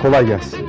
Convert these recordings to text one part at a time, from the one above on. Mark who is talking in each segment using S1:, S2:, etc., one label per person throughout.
S1: Kolay gelsin.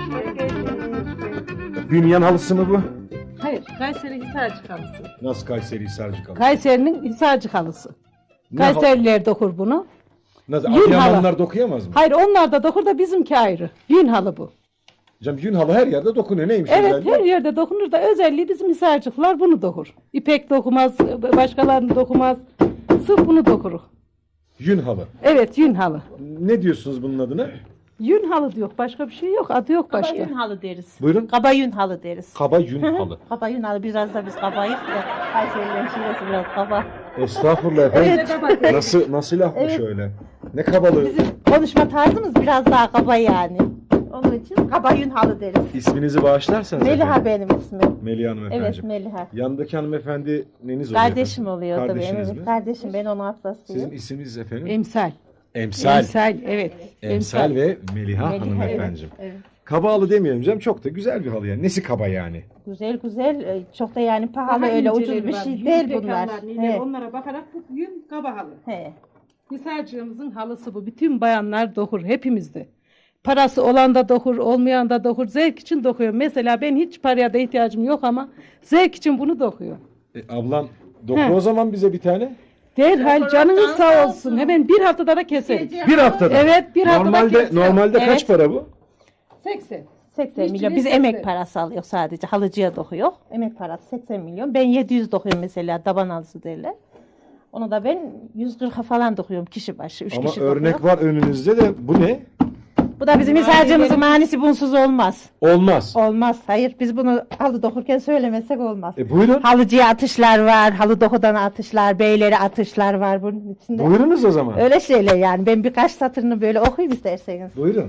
S1: Bünyan halısı mı bu?
S2: Hayır, Kayseri Hisarcık halısı.
S1: Nasıl Kayseri Hisarcık halısı?
S2: Kayseri'nin Hisarcık halısı.
S1: Ne
S2: Kayseriler dokur bunu.
S1: Nasıl?
S2: Yün
S1: Adıyamanlar
S2: halı.
S1: dokuyamaz mı?
S2: Hayır, onlar da dokur da bizimki ayrı. Yün halı bu.
S1: Canım yün halı her yerde dokunuyor. Neymiş
S2: Evet,
S1: özelliği?
S2: her yerde dokunur da özelliği bizim Hisarcıklar bunu dokur. İpek dokumaz, başkalarını dokumaz. Sırf bunu dokurur.
S1: Yün halı.
S2: Evet, yün halı.
S1: Ne diyorsunuz bunun adına?
S2: Yün halı diyor, başka bir şey yok, adı yok
S3: Kaba
S2: başka.
S3: yün halı deriz.
S1: Buyurun.
S3: Kaba yün halı deriz.
S1: Kaba yün halı.
S3: Kaba yün halı biraz da biz kabayız da Kayserilerin şivesi biraz kaba.
S1: Estağfurullah efendim.
S3: Evet.
S1: Nasıl laf bu
S3: Evet.
S1: şöyle? Ne kabalığı?
S3: Bizim konuşma tarzımız biraz daha kaba yani. Onun için kaba yün halı deriz.
S1: İsminizi bağışlarsanız
S3: Meliha
S1: efendim.
S3: benim ismim.
S1: Meliha Hanım
S3: Evet
S1: efendim.
S3: Meliha.
S1: Yandaki hanımefendi neniz oluyor?
S3: Kardeşim
S1: efendim?
S3: oluyor tabii.
S1: Kardeşiniz
S3: Evet,
S1: mi?
S3: kardeşim ben onun ablasıyım.
S1: Sizin isminiz efendim?
S2: Emsal.
S1: Emsal.
S2: Emsal, evet.
S1: Emsal ve Meliha,
S3: Meliha,
S1: hanımefendiciğim.
S3: evet, evet.
S1: Kaba halı demeyelim canım. Çok da güzel bir halı yani. Nesi kaba yani?
S3: Güzel güzel. Çok da yani pahalı
S2: Daha
S3: öyle
S2: inceleri
S3: ucuz bir
S2: var,
S3: şey
S2: yün
S3: değil
S2: dekanlar,
S3: bunlar.
S2: neler,
S3: He.
S2: onlara bakarak bu yün kaba halı.
S3: He.
S2: Hisarcığımızın halısı bu. Bütün bayanlar dokur hepimizde. Parası olan da dokur, olmayan da dokur. Zevk için dokuyor. Mesela ben hiç paraya da ihtiyacım yok ama zevk için bunu dokuyor.
S1: Ablam doku
S2: He.
S1: o zaman bize bir tane.
S2: Derhal canınız sağ olsun. Hemen bir haftada da keserim.
S1: Bir haftada.
S2: Evet, bir haftada
S1: Normalde
S2: keserim.
S1: normalde
S3: Evet.
S1: kaç para bu?
S2: 80.
S3: 80
S2: İşçi
S3: milyon.
S2: ve
S3: Biz
S2: 80.
S3: emek parası alıyor sadece. Halıcıya dokuyor. Emek parası 80 milyon. Ben 700 dokuyorum mesela. Taban halısı derler. Onu da ben 140'a falan dokuyorum kişi başı. 3
S1: Ama
S3: kişi
S1: örnek
S3: dokuyor.
S1: var önünüzde de bu ne?
S3: Bu da bizim hisarcımızın manisi bunsuz olmaz.
S1: Olmaz.
S3: Olmaz. Hayır biz bunu halı dokurken söylemesek olmaz.
S1: Buyurun.
S3: Halıcıya atışlar var. Halı dokudan atışlar. Beylere atışlar var bunun içinde.
S1: Buyurunuz o zaman.
S3: Öyle şeyler yani. Ben birkaç satırını böyle okuyayım isterseniz.
S1: Buyurun.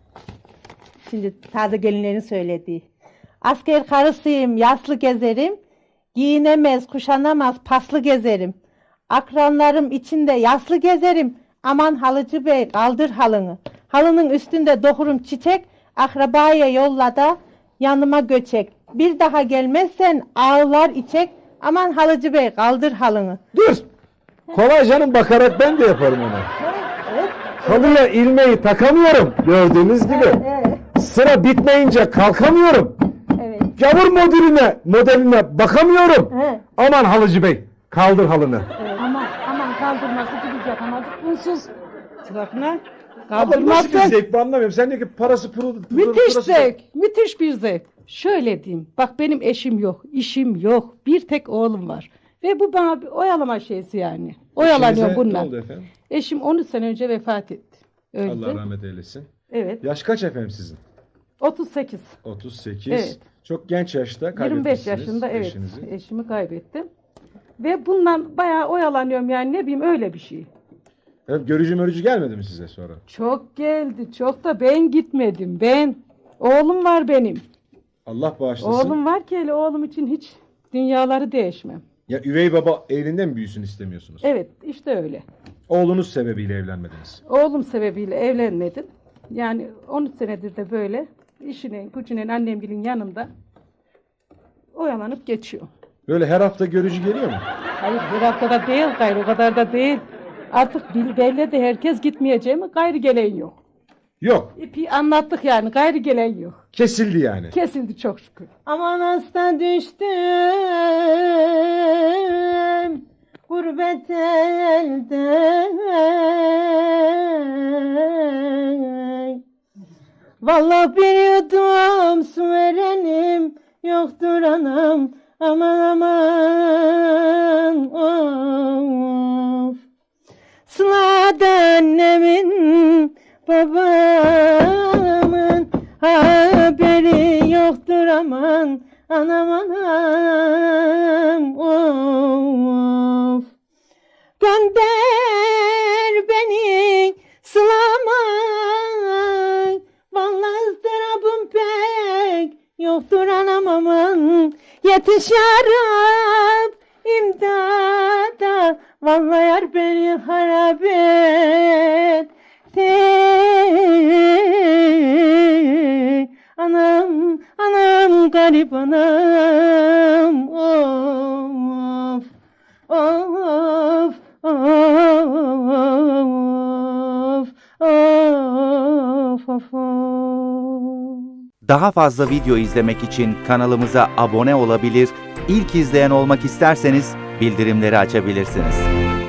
S3: Şimdi taze gelinlerin söylediği. Asker karısıyım, yaslı gezerim. Giyinemez, kuşanamaz, paslı gezerim. Akranlarım içinde yaslı gezerim. Aman halıcı bey kaldır halını. Halının üstünde dokurum çiçek. Akrabaya yolla da yanıma göçek. Bir daha gelmezsen ağlar içek. Aman halıcı bey kaldır halını.
S1: Dur. Kolay canım bakarak ben de yaparım onu.
S3: Evet.
S1: Halıya ilmeği takamıyorum gördüğünüz gibi.
S3: Evet.
S1: Sıra bitmeyince kalkamıyorum.
S3: Evet.
S1: Gavur modeline bakamıyorum.
S3: He.
S1: Aman halıcı bey kaldır halını.
S2: Aman kaldırması biz yapamadık. Bunsuz. Bakına
S1: Ama nasıl
S2: kaldırmazsın.
S1: bir zevk bu anlamıyorum. Sen diyor ki parası
S2: Müthiş zevk. Müthiş bir zevk. Şöyle diyeyim. Bak benim eşim yok. İşim yok. Bir tek oğlum var. Ve bu bana bir oyalama şeysi yani. Oyalanıyor
S1: Ne
S2: bunlar.
S1: oldu efendim?
S2: Eşim 13 sene önce vefat etti. Öldü.
S1: Allah rahmet eylesin.
S2: Evet.
S1: Yaş kaç efendim sizin?
S2: 38.
S1: 38.
S2: Evet.
S1: Çok genç yaşta
S2: 25
S1: kaybetmişsiniz
S2: yaşında evet.
S1: eşinizi.
S2: Eşimi kaybettim. Ve bundan bayağı oyalanıyorum yani ne bileyim öyle bir şey.
S1: Evet, görücü mörücü gelmedi mi size sonra?
S2: Çok geldi. Çok da ben gitmedim. Ben. Oğlum var benim.
S1: Allah bağışlasın.
S2: Oğlum var ki hele oğlum için hiç dünyaları değişmem.
S1: Ya üvey baba evliliğinde mi büyüsün istemiyorsunuz?
S2: Evet işte öyle.
S1: Oğlunuz sebebiyle evlenmediniz.
S2: Oğlum sebebiyle evlenmedim. Yani 13 senedir de böyle işinin, gücünün, annemgilin yanında oyalanıp geçiyor.
S1: Böyle her hafta görücü geliyor mu?
S2: Hayır bir haftada değil gayrı o kadar da değil. Artık belli de herkes gitmeyeceği mi gayrı gelen yok.
S1: Yok.
S2: İpi anlattık yani gayrı gelen yok.
S1: Kesildi yani.
S2: Kesildi çok şükür.
S3: Aman hasta düştüm gurbet elde. Vallahi bir yudum su verenim yoktur anam. Aman aman of. Sıla'da annemin babamın haberi yoktur aman. Anam anam of. Gönder beni Sıla'ma. Vallahi ızdırabım pek yoktur anam aman. Yetiş yarab imdada. Vallahi yar beni harap et. Anam, anam garip anam. Of, of, of, of, of, of.
S4: Daha fazla video izlemek için kanalımıza abone olabilir, ilk izleyen olmak isterseniz bildirimleri açabilirsiniz.